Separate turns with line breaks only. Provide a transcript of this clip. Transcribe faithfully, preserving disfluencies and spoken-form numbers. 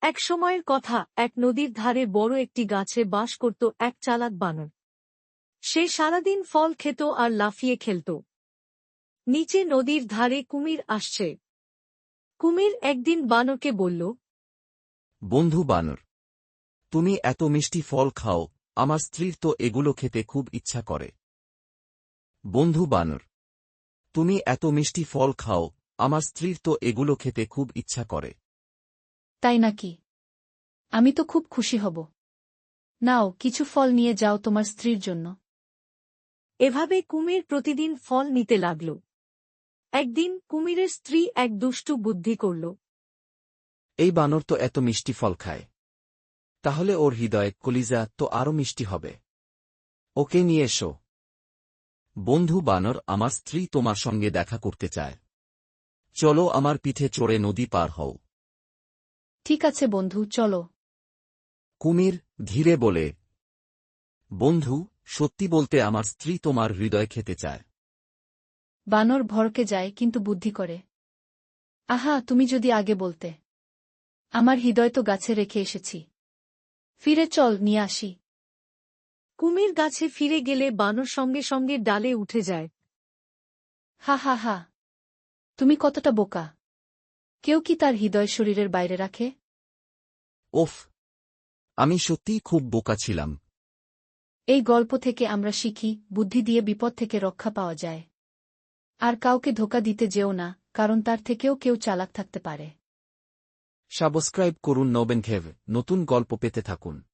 এক সময়ের কথা, এক নদীর ধারে বড় একটি গাছে বাস করত এক চালাক বানর। সে সারাদিন ফল খেত আর লাফিয়ে খেলত। নিচে নদীর ধারে কুমির আসছে। কুমির একদিন বানরকে বলল,
বন্ধু বানর, তুমি এত মিষ্টি ফল খাও, আমার স্ত্রীর তো এগুলো খেতে খুব ইচ্ছা করে। বন্ধু বানর, তুমি এত মিষ্টি ফল খাও, আমার স্ত্রীর তো এগুলো খেতে খুব ইচ্ছা করে।
তাই নাকি? আমি তো খুব খুশি হব। নাও, কিছু ফল নিয়ে যাও তোমার স্ত্রীর জন্য।
এভাবে কুমির প্রতিদিন ফল নিতে লাগল। একদিন কুমিরের স্ত্রী এক দুষ্টু বুদ্ধি করল।
এই বানর তো এত মিষ্টি ফল খায়, তাহলে ওর হৃদয়ে কলিজা তো আরও মিষ্টি হবে। ওকে নিয়ে এসো। বন্ধু বানর, আমার স্ত্রী তোমার সঙ্গে দেখা করতে চায়। চলো আমার পিঠে চড়ে নদী পার হও।
ঠিক আছে বন্ধু, চলো।
কুমির ধীরে বলে, বন্ধু, সত্যি বলতে আমার স্ত্রী তোমার হৃদয় খেতে চায়।
বানর ভরকে যায়, কিন্তু বুদ্ধি করে। আহা, তুমি যদি আগে বলতে! আমার হৃদয় তো গাছে রেখে এসেছি। ফিরে চল, নিয়ে আসি।
কুমির গাছে ফিরে গেলে বানর সঙ্গে সঙ্গে ডালে উঠে যায়।
হা হা হা, তুমি কতটা বোকা! কেউ কি তার হৃদয় শরীরের বাইরে রাখে?
ওফ, আমি সত্যিই খুব বোকা ছিলাম।
এই গল্প থেকে আমরা শিখি, বুদ্ধি দিয়ে বিপদ থেকে রক্ষা পাওয়া যায়। আর কাউকে ধোঁকা দিতে যেও না, কারণ তার থেকেও কেউ চালাক থাকতে পারে।
সাবস্ক্রাইব করুন নবেনঘেভ, নতুন গল্প পেতে থাকুন।